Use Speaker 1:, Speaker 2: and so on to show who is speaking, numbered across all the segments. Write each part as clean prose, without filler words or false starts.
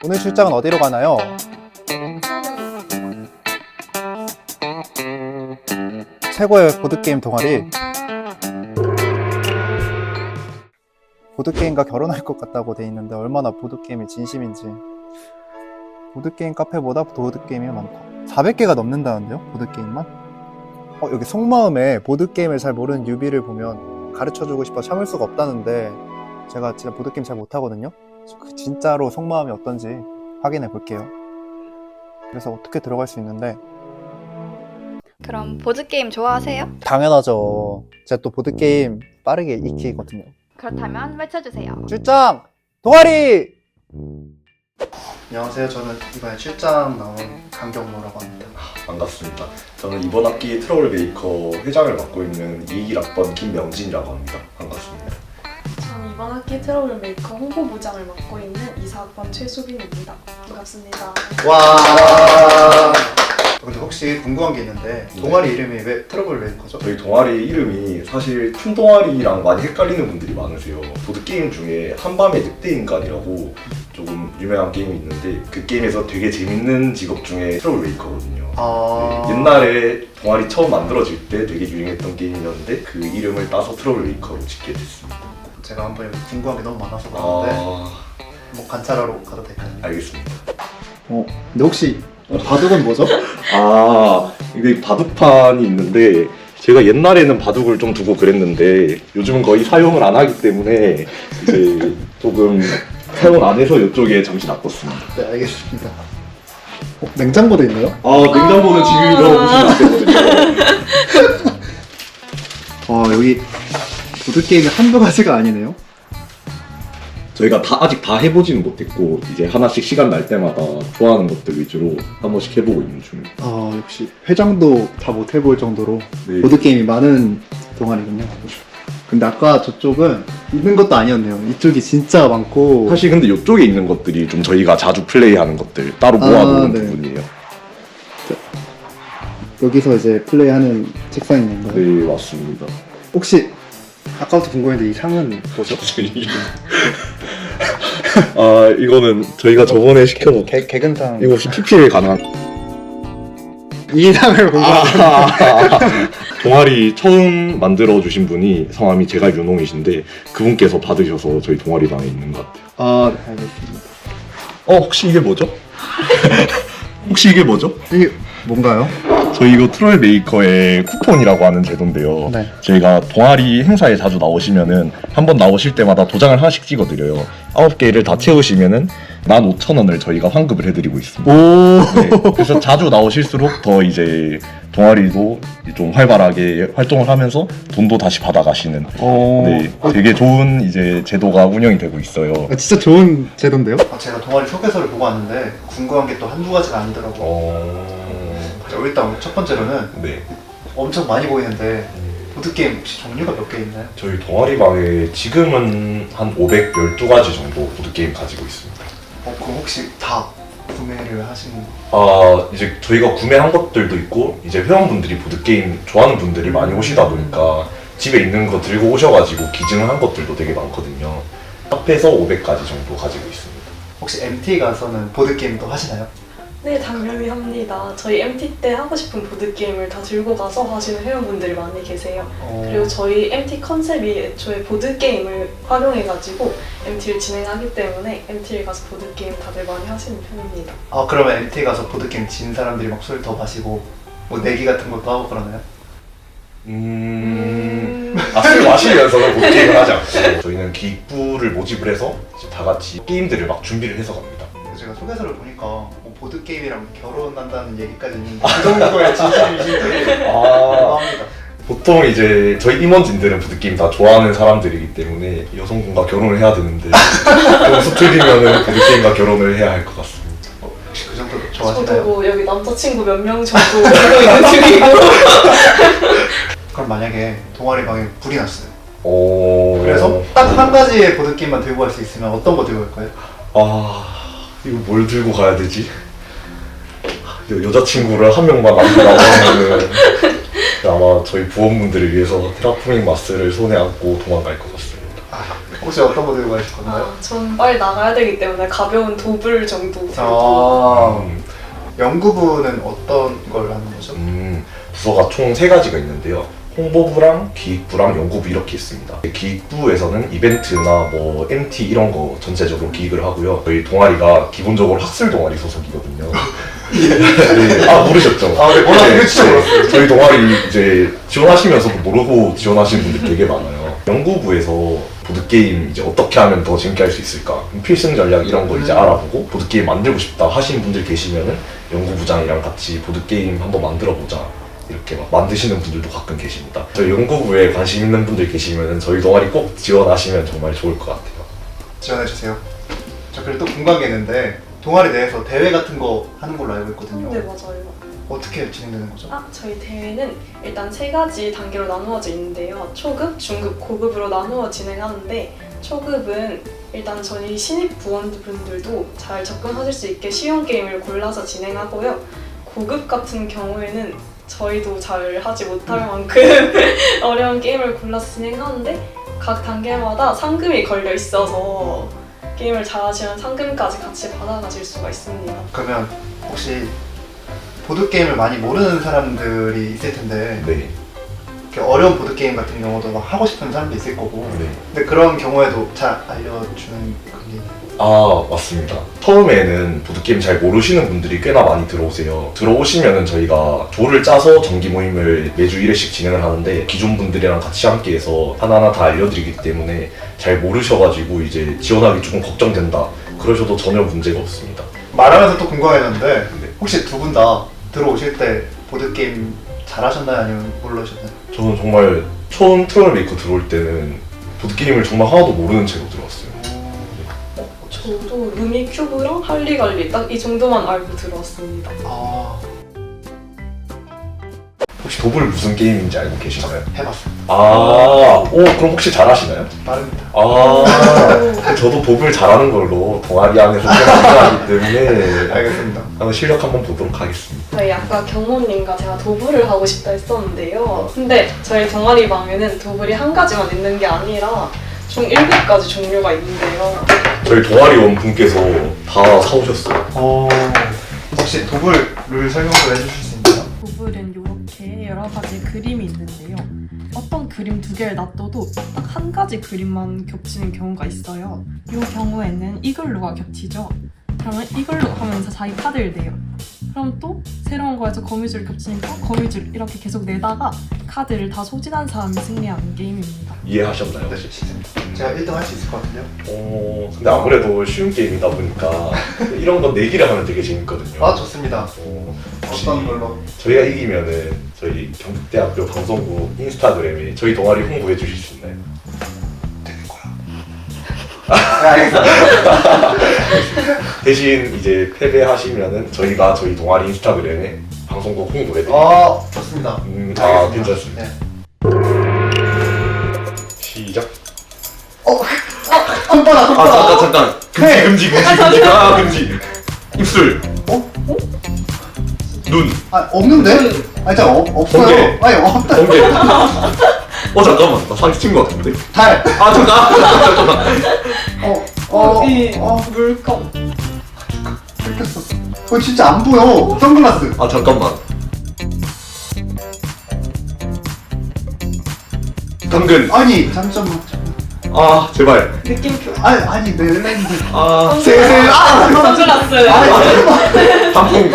Speaker 1: 오늘 출장은 어디로 가나요? 최고의 보드게임 동아리. 보드게임과 결혼할 것 같다고 돼 있는데 얼마나 보드게임이 진심인지. 보드게임 카페보다 보드게임이 많다. 400개가 넘는다는데요? 보드게임만? 여기 속마음에 보드게임을 잘 모르는 뉴비를 보면 가르쳐주고 싶어 참을 수가 없다는데 제가 진짜 보드게임 잘 못하거든요? 진짜로 속마음이 어떤지 확인해 볼게요. 그래서 어떻게 들어갈 수 있는데.
Speaker 2: 그럼 보드게임 좋아하세요?
Speaker 1: 당연하죠. 제가 또 보드게임 빠르게 익히거든요.
Speaker 2: 그렇다면 외쳐주세요.
Speaker 1: 출장! 동아리! 안녕하세요. 저는 이번에 출장 나온 강경모라고 합니다.
Speaker 3: 반갑습니다. 저는 이번 학기 트러블 메이커 회장을 맡고 있는 221학번 김명진이라고 합니다. 반갑습니다.
Speaker 4: 저는 이번 학기 트러블 메이커 홍보부장을 맡고 있는 24학번 최수빈입니다. 반갑습니다.
Speaker 1: 와. 근데 혹시 궁금한 게 있는데 동아리 이름이 왜 트러블 메이커죠?
Speaker 3: 저희 동아리 이름이 사실 큰 동아리랑 많이 헷갈리는 분들이 많으세요. 보드게임 중에 한밤의 늑대인간이라고 조금 유명한 게임이 있는데 그 게임에서 되게 재밌는 직업 중에 트러블 메이커거든요. 네, 옛날에 동아리 처음 만들어질 때 되게 유행했던 게임이었는데 그 이름을 따서 트러블 메이커로 짓게 됐습니다.
Speaker 1: 제가 한번 궁금한 게 너무 많아서 그러는데 뭐 관찰하러 가도 될까요?
Speaker 3: 알겠습니다.
Speaker 1: 근데 혹시 바둑은 뭐죠?
Speaker 3: 이게 바둑판이 있는데 제가 옛날에는 바둑을 좀 두고 그랬는데 요즘은 거의 사용을 안 하기 때문에 이제 조금 사용 안 해서 이쪽에 잠시 놔뒀습니다.
Speaker 1: 네, 알겠습니다. 냉장고도 있네요?
Speaker 3: 냉장고는 지금 열어보시면 안 되거든요.
Speaker 1: 여기 보드게임이 한두 가지가 아니네요?
Speaker 3: 저희가 아직 다 해보지는 못했고 이제 하나씩 시간 날 때마다 좋아하는 것들 위주로 한 번씩 해보고 있는 중입니다.
Speaker 1: 역시 회장도 다 못 해볼 정도로
Speaker 3: 네.
Speaker 1: 보드게임이 많은 동아리군요. 근데 아까 저쪽은 있는 것도 아니었네요. 이쪽이 진짜 많고.
Speaker 3: 사실 근데 이쪽에 있는 것들이 좀 저희가 자주 플레이하는 것들 따로 모아놓은
Speaker 1: 네.
Speaker 3: 부분이에요.
Speaker 1: 여기서 이제 플레이하는 책상이 있는 거예요?
Speaker 3: 네, 맞습니다.
Speaker 1: 혹시 아까부터 궁금했는데 이 상은 뭐죠?
Speaker 3: 이거는 저희가 저번에 시켜놓은
Speaker 1: 개근상.
Speaker 3: 이거 혹시 PPL 가능한?
Speaker 1: 이 상을 궁금한데.
Speaker 3: 동아리 처음 만들어주신 분이 성함이 제가 윤홍이신데 그분께서 받으셔서 저희 동아리방에 있는 것 같아요.
Speaker 1: 네, 알겠습니다.
Speaker 3: 혹시 이게 뭐죠? 혹시 이게 뭐죠?
Speaker 1: 이게 뭔가요?
Speaker 3: 저희 이거 트롤 메이커의 쿠폰이라고 하는 제도인데요.
Speaker 1: 네.
Speaker 3: 저희가 동아리 행사에 자주 나오시면은 한 번 나오실 때마다 도장을 하나씩 찍어드려요. 9개를 다 채우시면은 15,000원을 저희가 환급을 해드리고 있습니다. 네, 그래서 자주 나오실수록 더 이제 동아리도 좀 활발하게 활동을 하면서 돈도 다시 받아가시는 네, 되게 좋은 이제 제도가 운영이 되고 있어요.
Speaker 1: 진짜 좋은 제도인데요? 제가 동아리 소개서를 보고 왔는데 궁금한 게 또 한두 가지가 아니더라고요. 일단 첫 번째로는
Speaker 3: 네.
Speaker 1: 엄청 많이 보이는데 보드게임 혹시 종류가 몇 개 있나요?
Speaker 3: 저희 동아리방에 지금은 한 512가지 정도 보드게임 가지고 있습니다.
Speaker 1: 그럼 혹시 다 구매를 하신?
Speaker 3: 이제 저희가 구매한 것들도 있고 이제 회원분들이 보드게임 좋아하는 분들이 많이 오시다 보니까 집에 있는 거 들고 오셔가지고 기증한 것들도 되게 많거든요. 합해서 500가지 정도 가지고 있습니다.
Speaker 1: 혹시 MT 가서는 보드게임도 하시나요?
Speaker 4: 네, 당연히 합니다. 저희 MT 때 하고 싶은 보드게임을 다 들고 가서 하시는 회원분들이 많이 계세요. 그리고 저희 MT 컨셉이 애초에 보드게임을 활용해가지고 MT를 진행하기 때문에 MT를 가서 보드게임 다들 많이 하시는 편입니다.
Speaker 1: 그러면 MT 가서 보드게임 진 사람들이 막 술 더 마시고 뭐 내기 같은 것도 하고 그러나요?
Speaker 3: 술 마시면서는 보드게임을 하지 않고 저희는 기부를 모집을 해서 이제 다 같이 게임들을 막 준비를 해서 갑니다.
Speaker 1: 제가 소개서를 보니까 뭐 보드게임이랑 결혼한다는 얘기까지 있는데 그 정도의 진심이신지 합니다.
Speaker 3: 보통 이제 저희 임원진들은 보드게임 다 좋아하는 사람들이기 때문에 여성분과 결혼을 해야 되는데 좀 수틀리면은 보드게임과 결혼을 해야 할 것 같습니다.
Speaker 1: 혹시 그 정도
Speaker 4: 저도
Speaker 1: 좋아하시나요?
Speaker 4: 뭐 여기 남자친구 몇 명 정도 들고 있는 중이고.
Speaker 1: 그럼 만약에 동아리 방에 불이 났어요.
Speaker 3: 그래서
Speaker 1: 딱 한 가지의 보드게임만 들고 갈 수 있으면 어떤 거 들고 갈까요?
Speaker 3: 이거 뭘 들고 가야 되지? 여자친구를 한 명만 남기라고 하면은 아마 저희 부원분들을 위해서 테라포밍 마스를 손에 안고 도망갈 것 같습니다.
Speaker 1: 혹시 어떤 거 들고 가실 건가요?
Speaker 4: 전 빨리 나가야 되기 때문에 가벼운 도불 정도 들고.
Speaker 1: 아, 연구부는 어떤 걸 하는 거죠?
Speaker 3: 부서가 총 3가지가 있는데요. 홍보부랑 기획부랑 연구부 이렇게 있습니다. 기획부에서는 이벤트나 뭐 MT 이런 거 전체적으로 기획을 하고요. 저희 동아리가 기본적으로 학술 동아리 소속이거든요. 네. 아 모르셨죠?
Speaker 1: 아, 네, 몰랐어요. 진짜 몰랐어요.
Speaker 3: 저희 동아리 이제 지원하시면서도 모르고 지원하시는 분들 되게 많아요. 연구부에서 보드게임 이제 어떻게 하면 더 재밌게 할 수 있을까? 필승 전략 이런 거 이제 알아보고 보드게임 만들고 싶다 하시는 분들 계시면은 연구부장이랑 같이 보드게임 한번 만들어 보자. 이렇게 막 만드시는 분들도 가끔 계십니다. 저희 연구부에 관심 있는 분들 계시면은 저희 동아리 꼭 지원하시면 정말 좋을 것 같아요.
Speaker 1: 지원해주세요. 저 그리고 또 궁금한 게 있는데 동아리 내에서 대회 같은 거 하는 걸로 알고 있거든요.
Speaker 4: 네, 맞아요.
Speaker 1: 어떻게 진행되는 거죠?
Speaker 4: 저희 대회는 일단 3가지 단계로 나누어져 있는데요. 초급, 중급, 고급으로 나누어 진행하는데 초급은 일단 저희 신입 부원분들도 잘 접근하실 수 있게 쉬운 게임을 골라서 진행하고요. 고급 같은 경우에는 저희도 잘 하지 못할 만큼 어려운 게임을 골라서 진행하는데 각 단계마다 상금이 걸려 있어서 게임을 잘하시면 상금까지 같이 받아가실 수가 있습니다.
Speaker 1: 그러면 혹시 보드게임을 많이 모르는 사람들이 있을 텐데
Speaker 3: 네.
Speaker 1: 이렇게 어려운 보드게임 같은 경우도 막 하고 싶은 사람도 있을 거고
Speaker 3: 네.
Speaker 1: 근데 그런 경우에도 잘 알려주는 그런 게 있나요?
Speaker 3: 아 맞습니다. 처음에는 보드게임 잘 모르시는 분들이 꽤나 많이 들어오세요. 들어오시면은 저희가 조를 짜서 정기 모임을 매주 1회씩 진행을 하는데 기존 분들이랑 같이 함께해서 하나하나 다 알려드리기 때문에 잘 모르셔가지고 이제 지원하기 조금 걱정된다 그러셔도 전혀 문제가 없습니다.
Speaker 1: 말하면서 또 궁금해졌는데
Speaker 3: 네.
Speaker 1: 혹시 두 분 다 들어오실 때 보드게임 잘하셨나요? 아니면 모르셨나요?
Speaker 3: 저는 정말 처음 트러블메이커 들어올 때는 보드게임을 정말 하나도 모르는 채로 들어왔어요.
Speaker 4: 저도 루미큐브랑 할리갈리 딱 이 정도만 알고 들어왔습니다.
Speaker 1: 아,
Speaker 3: 혹시 도블 무슨 게임인지 알고 계시나요?
Speaker 1: 해봤습니다.
Speaker 3: 아, 오 그럼 혹시 잘하시나요?
Speaker 1: 빠릅니다.
Speaker 3: 아, 저도 도블 잘하는 걸로 동아리 안에서 생각하기 때문에
Speaker 1: 알겠습니다.
Speaker 3: 한번 실력 한번 보도록 하겠습니다.
Speaker 4: 저희 아까 경호님과 제가 도블을 하고 싶다 했었는데요. 근데 저희 동아리 방에는 도블이 한 가지만 있는 게 아니라 총 7가지 종류가 있는데요.
Speaker 3: 저희 동아리원 분께서 다 사오셨어요.
Speaker 1: 혹시 도블 룰 설명 좀 해주실 수 있나요?
Speaker 5: 도블은 이렇게 여러 가지 그림이 있는데요. 어떤 그림 2개를 놔둬도 딱 한 가지 그림만 겹치는 경우가 있어요. 이 경우에는 이글루가 겹치죠. 그러면 이글루 하면서 자기 카드를 내요. 그럼 또 새로운 거에서 거미줄 겹치니까 거미줄 이렇게 계속 내다가 카드를 다 소진한 사람이 승리하는 게임입니다.
Speaker 3: 이해하셨나요?
Speaker 1: 네, 제가 1등 할 수 있을 것 같은데요?
Speaker 3: 근데 아무래도 쉬운 게임이다 보니까 이런 거 내기를 하면 되게 재밌거든요.
Speaker 1: 아, 좋습니다.
Speaker 3: 혹시
Speaker 1: 어떤 걸로?
Speaker 3: 저희가 이기면은 저희 경북대학교 방송국 인스타그램에 저희 동아리 홍보해 주실 수 있나요?
Speaker 1: 되는 거야. 네, 알겠습니다.
Speaker 3: 대신 이제 패배하시면은 저희가 저희 동아리 인스타그램에 방송국 홍보해 드릴게요.
Speaker 1: 아, 좋습니다.
Speaker 3: 아 괜찮습니다.
Speaker 1: 네.
Speaker 3: 시작.
Speaker 1: 손바닥.
Speaker 3: 잠깐.
Speaker 1: 네.
Speaker 3: 금지. 금지. 입술. 눈.
Speaker 1: 아, 없는데? 아니, 진짜 없어요.
Speaker 3: 번개.
Speaker 1: 아니, 없다.
Speaker 3: 번개. 잠깐만. 나 사기 친거 같은데?
Speaker 1: 달.
Speaker 3: 잠깐.
Speaker 4: 물감.
Speaker 1: 뺏겼어. 그거 진짜 안 보여. 선글라스.
Speaker 3: 잠깐만. 당근.
Speaker 1: 아니, 잠깐만.
Speaker 3: 제발.
Speaker 4: 느낌표.
Speaker 1: 아니, 멜랜드.
Speaker 3: 세세.
Speaker 4: 선글라스.
Speaker 3: 단풍.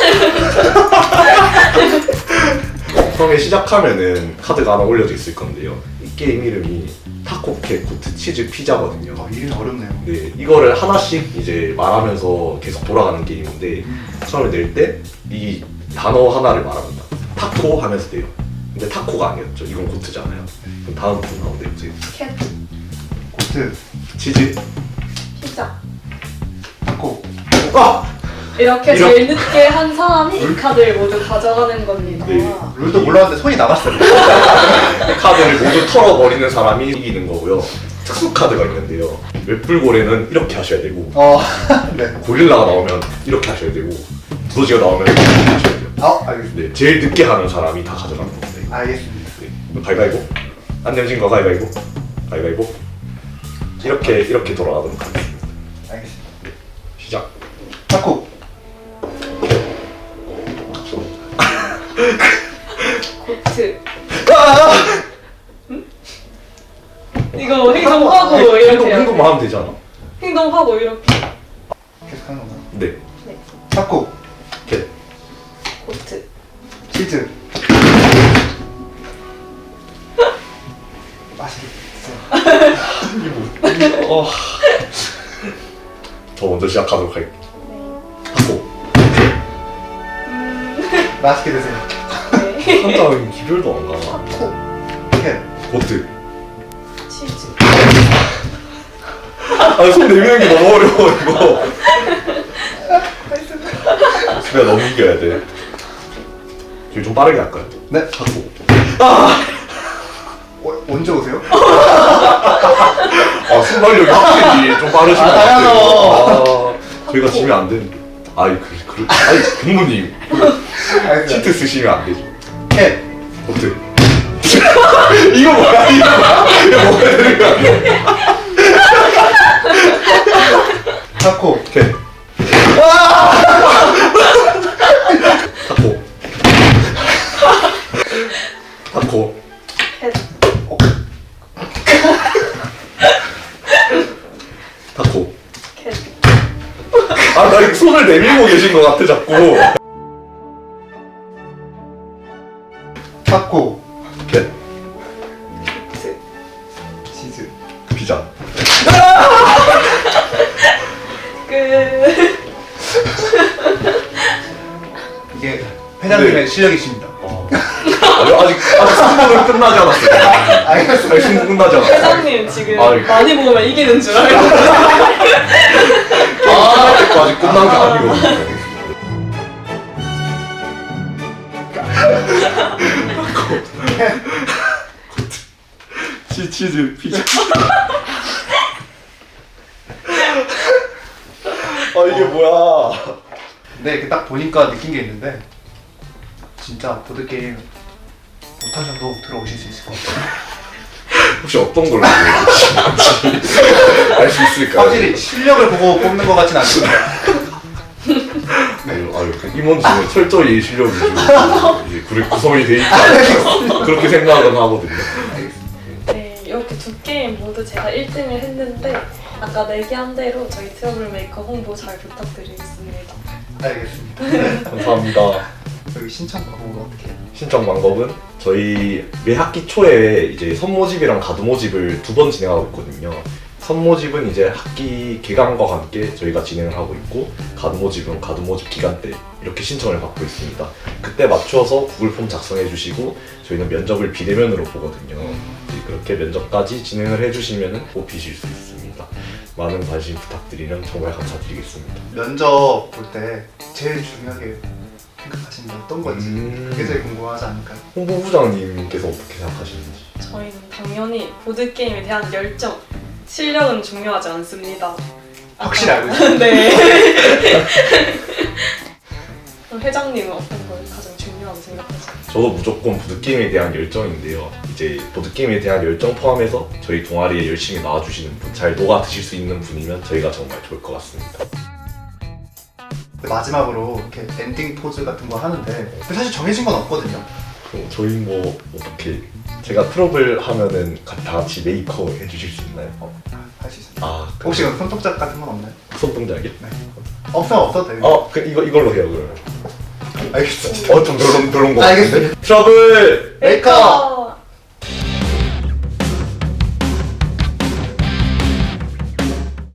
Speaker 3: 처음에 시작하면은 카드가 하나 올려져 있을 건데요. 이 게임 이름이 타코캣 코트 치즈 피자거든요.
Speaker 1: 이름이 어렵네요.
Speaker 3: 네, 이거를 하나씩 이제 말하면서 계속 돌아가는 게임인데 처음에 낼 때 이 단어 하나를 말합니다. 타코 하면서 돼요. 근데 타코가 아니었죠. 이건 고트잖아요. 그럼 다음 분 나오는데 보세요.
Speaker 4: 캣.
Speaker 1: 고트,
Speaker 3: 치즈.
Speaker 4: 피자.
Speaker 1: 타코.
Speaker 4: 이렇게 제일 늦게 한 사람이 이 카드를 모두 가져가는 겁니다.
Speaker 3: 네.
Speaker 1: 룰도 몰랐는데 손이 나갔어요.
Speaker 3: 이 카드를 모두 털어버리는 사람이 이기는 거고요. 특수 카드가 있는데요. 웹불고래는 이렇게 하셔야 되고
Speaker 1: 네.
Speaker 3: 고릴라가 나오면 이렇게 하셔야 되고 두더지가 나오면 이렇게 하셔야 돼요.
Speaker 1: 알겠습니다.
Speaker 3: 네, 제일 늦게 하는 사람이 다 가져가는 겁니다.
Speaker 1: 알겠습니다.
Speaker 3: 네. 가위바위보. 안 내진 거 가위바위보. 가위바위보. 이렇게 돌아가도록 하겠습니다.
Speaker 1: 알겠습니다.
Speaker 3: 시작.
Speaker 1: 타코.
Speaker 4: 고트. 이거 행동하고 이렇게 해야 돼.
Speaker 3: 행동만 하면 되잖아.
Speaker 4: 행동하고 이렇게.
Speaker 1: 계속 하는 건가요?
Speaker 3: 네.
Speaker 1: 타코.
Speaker 3: 오케이.
Speaker 4: 고트.
Speaker 1: 치즈. 맛있게 드세요.
Speaker 3: 저 먼저 시작하도록 할게요. 타코.
Speaker 1: 맛있게 드세요.
Speaker 4: 네.
Speaker 3: 한자는 기별도 안 가.
Speaker 1: 타코. 캣.
Speaker 3: 고트.
Speaker 4: 치즈.
Speaker 3: 아니 손 내미는 게 너무 어려워 이거. 내가 넘겨야 돼. 저희 좀 빠르게 할까요?
Speaker 1: 네.
Speaker 3: 타코.
Speaker 1: 언제 오세요?
Speaker 3: 아 순발력이 확실히 좀 빠르신 것 같아요. 저희가 지면 안 되는데. 아니 아니 부모님
Speaker 1: 알겠습니다.
Speaker 3: 치트 쓰시면 안 되죠.
Speaker 1: 캣.
Speaker 3: 고트. 이거 뭐야? 이거 뭐야 되는 거 아니야?
Speaker 1: 타코.
Speaker 3: 오케이. 타코. 타코.
Speaker 4: 캣.
Speaker 3: 타코.
Speaker 4: 캣.
Speaker 3: 아, 나 이거 손을 내밀고 계신 것 같아, 자꾸.
Speaker 1: 타코.
Speaker 3: 캣.
Speaker 4: 고트.
Speaker 1: 치즈.
Speaker 3: 피자.
Speaker 4: 끝.
Speaker 1: 이게 회장님의
Speaker 3: 네.
Speaker 1: 실력이십니다.
Speaker 3: 아직 승부는 끝나지 않았어요.
Speaker 1: 알겠습니다.
Speaker 3: 아직 승부 끝나지 않았어요.
Speaker 4: 회장님 지금
Speaker 3: 아이.
Speaker 4: 많이 먹으면 이기는 줄 알고.
Speaker 3: 아직 끝난 게 아니거든요. 치즈 피자. 아 이게 뭐야?
Speaker 1: 네, 이렇게 딱 보니까 느낀 게 있는데 진짜 보드게임 못하셔도 들어오실 수 있을 것 같아요.
Speaker 3: 혹시 어떤 걸로 알 수 있을까요?
Speaker 1: 확실히 실력을 보고 뽑는 것 같진 않습니다.
Speaker 3: 아유, 임원진은 철저히 실력이 좀 이제 그룹 구성이 돼 있지 않을까 그렇게 생각은 하거든요.
Speaker 4: 네, 이렇게 두 게임 모두 제가 1등을 했는데 아까 내기한 대로 저희 트러블메이커 홍보 잘 부탁드리겠습니다.
Speaker 1: 알겠습니다.
Speaker 3: 감사합니다.
Speaker 1: 여기 신청 방법은 어떻게 해요?
Speaker 3: 신청 방법은 저희 매 학기 초에 이제 선모집이랑 가두모집을 2번 진행하고 있거든요. 선모집은 이제 학기 개강과 함께 저희가 진행을 하고 있고 가두모집은 가두모집 기간 때 이렇게 신청을 받고 있습니다. 그때 맞춰서 구글 폼 작성해 주시고 저희는 면접을 비대면으로 보거든요. 이제 그렇게 면접까지 진행을 해주시면 뽑히실 수 있습니다. 많은 관심 부탁드리면 정말 감사드리겠습니다.
Speaker 1: 면접 볼 때 제일 중요하게 생각하시는 게 어떤 건지 그게 제일 궁금하지 않을까요?
Speaker 3: 홍보부장님께서 어떻게 생각하시는지.
Speaker 4: 저희는 당연히 보드게임에 대한 열정, 실력은 중요하지 않습니다.
Speaker 1: 확실히 알고 있어요.
Speaker 4: 네. 그럼 회장님은 어떤 걸 가장 중요하게 생각하세요?
Speaker 3: 저도 무조건 보드게임에 대한 열정인데요. 이제 보드게임에 대한 열정 포함해서 저희 동아리에 열심히 나와주시는 분, 잘 녹아 드실 수 있는 분이면 저희가 정말 좋을 것 같습니다.
Speaker 1: 마지막으로 이렇게 엔딩 포즈 같은 거 하는데 사실 정해진 건 없거든요.
Speaker 3: 그럼 저희 뭐 어떻게 제가 트러블 하면은 다 같이 메이커 해주실 수 있나요?
Speaker 1: 할 수 있어요.
Speaker 3: 아
Speaker 1: 혹시 그럼 손톱작 같은 건 없나요?
Speaker 3: 손동작이요?
Speaker 1: 네. 없어도 돼요.
Speaker 3: 이걸로 해요 그러면.
Speaker 1: 알겠습니다.
Speaker 3: 좀 별론 거.
Speaker 1: 알겠습니다.
Speaker 3: 트러블
Speaker 1: 메이커!